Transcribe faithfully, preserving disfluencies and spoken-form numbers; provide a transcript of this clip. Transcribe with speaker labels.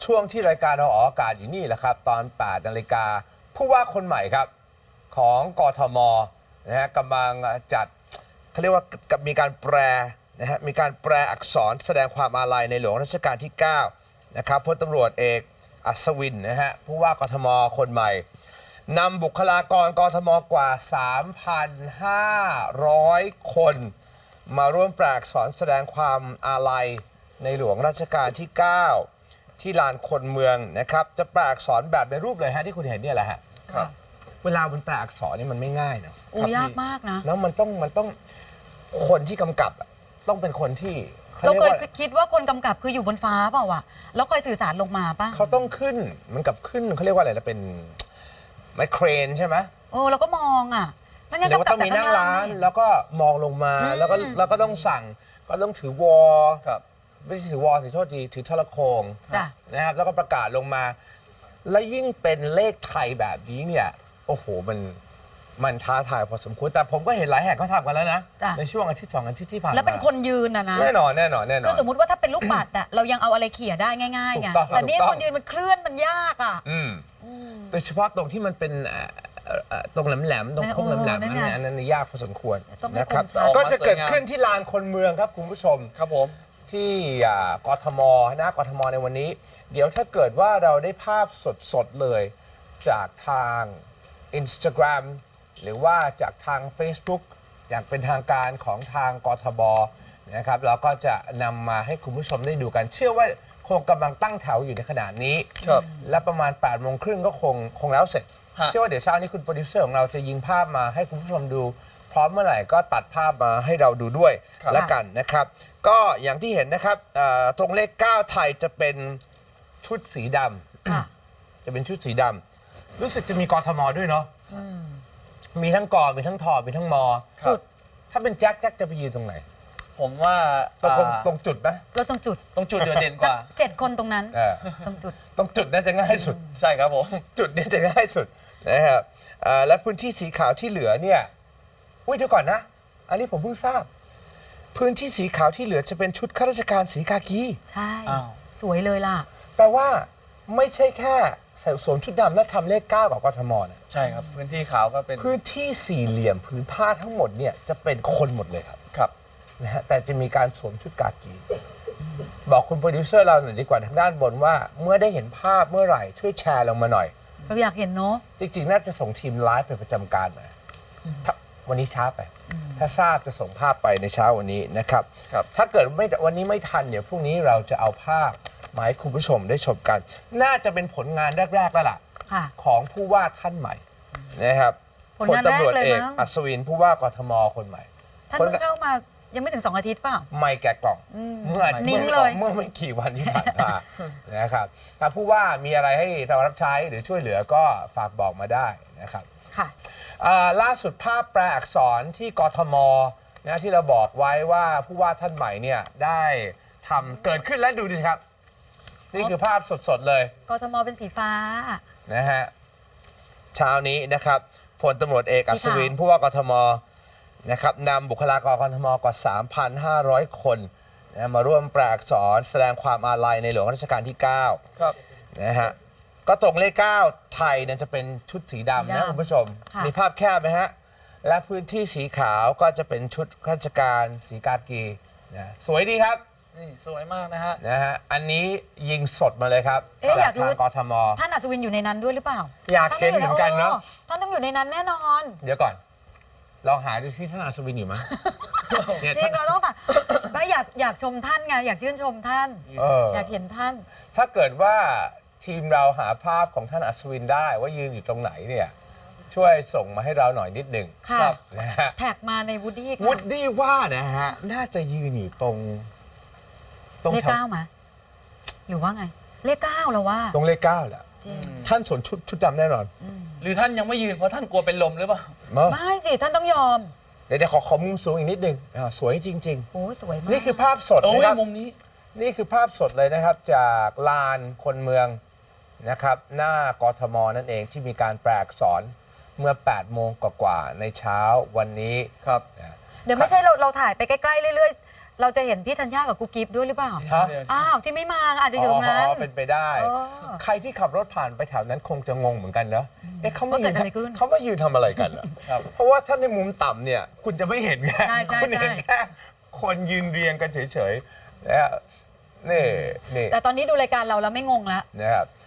Speaker 1: ช่วงที่รายการเราออกอากาศอยู่นี่แหละครับตอนแปดนาฬิกาผู้ว่าคนใหม่ครับของกทมนะฮะกำลังจัดเขาเรียกว่ากับมีการแปลนะฮะมีการแปลอักษรแสดงความอาลัยในหลวงรัชกาลที่เก้านะครับพลตำรวจเอกอัศวินนะฮะผู้ว่ากทมคนใหม่นำบุคลากรกทมกว่า สามพันห้าร้อย คนมาร่วมแปลอักษรแสดงความอาลัยในหลวงรัชกาลที่เก้าที่ลานคนเมืองนะครับจะแปลอักษรแบบในรูปเลยฮะที่คุณเห็นเนี่ยแหละฮะครับเวลามันแปลอักษรนี่มันไม่ง่ายเนาะ
Speaker 2: โอ้ยากมากนะ
Speaker 1: แล้วมันต้องมันต้องคนที่กำกับต้องเป็นคนที่
Speaker 2: เราเคยคิดว่าคนกำกับคืออยู่บนฟ้าเปล่าวะแล้วคอยสื่อสารลงมาป่ะ
Speaker 1: เขาต้องขึ้นเหมือนกับขึ้นเขาเรียกว่าอะไรนะเป็นไมเครนใช่ไหม
Speaker 2: โอ้เราก็มองอ่ะ
Speaker 1: แล้วก็ต้องมีนั่งร้านแล้วก็มองลงมาแล้วก็แล้วก็ต้องสั่งก็ต้องถือวอลไม่ใช่ถือวอลสิโทษทีถือโทรโขงนะครับแล้วก็ประกาศลงมาและยิ่งเป็นเลขไทยแบบนี้เนี่ยโอ้โหมันมันท้าทายพอสมควรแต่ผมก็เห็นหลายแห่งเขาทำกันแล้วนะในช่วงอาทิตย์สองอาทิตย์ที่ผ่านมา
Speaker 2: แล้วเป็นคนยืนนะนะ
Speaker 1: แน่นอนแน่นอนแน่นอน
Speaker 2: คือสมมติว่าถ้าเป็นลูกปัดอะเรายังเอาอะไรเขี่ยได้ง่ายๆไงแต่นี่คนยืนมันเคลื่อนมันยากอ่ะ
Speaker 1: โดยเฉพาะตรงที่มันเป็นตรงแหลมๆตรงโค้งแหลมๆนั่นอันนั้นยากพอสมควรนะครับก็จะเกิดขึ้นที่ลานคนเมืองครับคุณผู้ชม
Speaker 3: ครับผม
Speaker 1: ที่กทมหน้ากทมในวันนี้เดี๋ยวถ้าเกิดว่าเราได้ภาพสดๆเลยจากทาง Instagram หรือว่าจากทาง Facebook อย่างเป็นทางการของทางกทบนะครับเราก็จะนำมาให้คุณผู้ชมได้ดูกันเชื่อว่าคงกำลังตั้งแถวอยู่ในขณะนี้และประมาณแปดโมงครึ่งก็คงคงแล้วเสร็จเชื่อว่าเดี๋ยวเช้านี้คุณโปรดิวเซอร์ของเราจะยิงภาพมาให้คุณผู้ชมดูพร้อมเมื่อไหร่ก็ตัดภาพมาให้เราดูด้วยละกันนะครับก็อย่างที่เห็นนะครับตรงเลขเก้าไทยจะเป็นชุดสีดำจะเป็นชุดสีดำรู้สึกจะมีกทมด้วยเนาะมีทั้งกอมีทั้งทอมีทั้งมอจุดถ้าเป็นแจ็คแจ็คจะไปยืนตรงไหน
Speaker 3: ผมว่า
Speaker 1: ตรงตรงจุดไหม
Speaker 2: เราตรงจุด
Speaker 3: ตรงจุดเด่นกว่า
Speaker 2: เจ็ดคนตรงนั้นตรงจุด
Speaker 1: ตรงจุดน่าจะง่ายสุด
Speaker 3: ใช่ครับผม
Speaker 1: จุดนี้จะง่ายสุดนะครับและพื้นที่สีขาวที่เหลือเนี่ยอุ้ยเดี๋ยวก่อนนะอันนี้ผมเพิ่งทราบพื้นที่สีขาวที่เหลือจะเป็นชุดข้าราชการสีกากี
Speaker 2: ใช่สวยเลยล่ะ
Speaker 1: แปลว่าไม่ใช่แค่ใส่สวมชุดดำแล้วทำเลขเก้ากับกทมนะ
Speaker 3: ใช่ครับพื้นที่ขาวก็เป็น
Speaker 1: พื้นที่สี่เหลี่ยมพื้นผ้าทั้งหมดเนี่ยจะเป็นคนหมดเลยครับ
Speaker 3: ครับ
Speaker 1: นะฮะแต่จะมีการสวมชุดกากีบอกคุณโปรดิวเซอร์เราหน่อยดีกว่าทางด้านบนว่าเมื่อได้เห็นภาพเมื่อไหร่ช่วยแชร์ลงมาหน่อย
Speaker 2: เราอยากเห็นเนาะ
Speaker 1: จริงๆน่าจะส่งทีมไลฟ์ไปประจำการมาวันนี้ช้าไปถ้าทราบจะส่งภาพไปในเช้าวันนี้นะครับถ้าเกิดไม่วันนี้ไม่ทันเดี๋ยวพรุ่งนี้เราจะเอาภาพมาให้คุณผู้ชมได้ชมกันน่าจะเป็นผลงานแรกๆแล้วล่ะของผู้ว่าท่านใหม่นะครับ
Speaker 2: ผลตำรวจเอก
Speaker 1: อัศวินผู้ว่ากทมคนใหม่
Speaker 2: ท่านเพิ่งเข้ามายังไม่ถึงสองอาทิตย์เปล่า
Speaker 1: ไม่แกะกล่องเมื่อ
Speaker 2: นิ่งเลย
Speaker 1: เมื่อไม่กี่วันที่ผ่านมานะครับถ้าผู้ว่ามีอะไรให้เรารับใช้หรือช่วยเหลือก็ฝากบอกมาได้นะครับ
Speaker 2: ค่ะ
Speaker 1: ล่าสุดภาพแปลอักษรที่กทมนะที่เราบอกไว้ว่าผู้ว่าท่านใหม่เนี่ยได้ทำเกิดขึ้นแล้วดูดิครับนี่คือภาพสดๆเลย
Speaker 2: กทมเป็นสีฟ้า
Speaker 1: นะฮะเช้านี้นะครับพลตำรวจเอกอัศวินผู้ว่ากทมนะครับนำบุคลากรกทมกว่า สามพันห้าร้อย คนนะมาร่วมแปลอักษรแสดงความอาลัยในหลวงรัชกาลที่เก้าครับนะฮะก็ตรงเลขเก้าไทยเนี่ยจะเป็นชุดสีดำนะคุณผู้ชมมีภาพแคบไหมฮะและพื้นที่สีขาวก็จะเป็นชุดข้าราชการสีกากีนะสวยดีครับ
Speaker 3: นี่สวยมากนะฮะ
Speaker 1: นะฮะอันนี้ยิงสดมาเลยครับ
Speaker 2: จากทาง
Speaker 1: กทม
Speaker 2: ท่านอัศวินอยู่ในนั้นด้วยหรือเปล่า
Speaker 1: อยากเห็นเหมือนกันเนาะ
Speaker 2: ท่านต้องอยู่ในนั้นแน่นอน
Speaker 1: เดี๋ยวก่อนลองหาดูที่ท่านอัศวินอยู่ไหม
Speaker 2: จริงเราต้องแต่ไม่อยากอยากชมท่านไงอยากชื่นชมท่านอยากเห็นท่าน
Speaker 1: ถ้าเกิดว่าทีมเราหาภาพของท่านอัศวินได้ว่ายืนอยู่ตรงไหนเนี่ยช่วยส่งมาให้เราหน่อยนิดหนึ่ง
Speaker 2: ครับนะฮะแท็กมาในวูดดี้
Speaker 1: วูดดี้ว่านะฮะน่าจะยืนอยู่ตรง
Speaker 2: ตรงเลขเก้าไหมหรือว่าไงเลขเก้าเราว่า
Speaker 1: ตรงเลขเก้าแหละท่านสวมชุดชุดดำแน่นอน
Speaker 3: หรือท่านยังไม่ยืนเพราะท่านกลัวเป็นลมหรือเปล่า
Speaker 2: ไม่สิท่านต้องยอม
Speaker 1: เดี๋ยวขอขอมุมสูงอีกนิดนึงสวยจริง
Speaker 2: ๆโอ้สวยมาก
Speaker 1: นี่คือภาพสดนะครับ
Speaker 3: มุมนี้
Speaker 1: นี่คือภาพสดเลยนะครับจากลานคนเมืองนะครับหน้ากทมนั่นเองที่มีการแปลอักษรเมื่อแปดโมงกว่าในเช้าวันนี้
Speaker 3: ครับ
Speaker 2: เดี๋ยวไม่ใช่เราเราถ่ายไปใกล้ๆเรื่อยๆเราจะเห็นพี่ธัญญากับกุ๊กกิ๊บด้วยหรือเปล่า
Speaker 1: ฮะ
Speaker 2: อ้าวที่ไม่มาอาจจะอยู่ตรงนั้น
Speaker 1: อ๋อเป็นไปได้
Speaker 2: อ๋อ
Speaker 1: ใครที่ขับรถผ่านไปแถวนั้นคงจะงงเหมือนกันเนอะเอ๊ะเขามา
Speaker 2: ว่า
Speaker 1: ยื
Speaker 2: เกิ
Speaker 1: น
Speaker 2: ดอะไรขึ้น
Speaker 1: เขามายืนทำอะไรกันเหรอ
Speaker 3: ครับ
Speaker 1: เพราะว่าถ้าในมุมต่ำเนี่ย คุณจะไม่เห็นไง
Speaker 2: ใช่ใช่
Speaker 1: คุณเห็น
Speaker 2: ใช่
Speaker 1: แค่คนยืนเรียงกันเฉยๆนะฮะนี่นี่
Speaker 2: แต่ตอนนี้ดูรายการเราแล้วไม่งงแล้ว
Speaker 1: นะครับ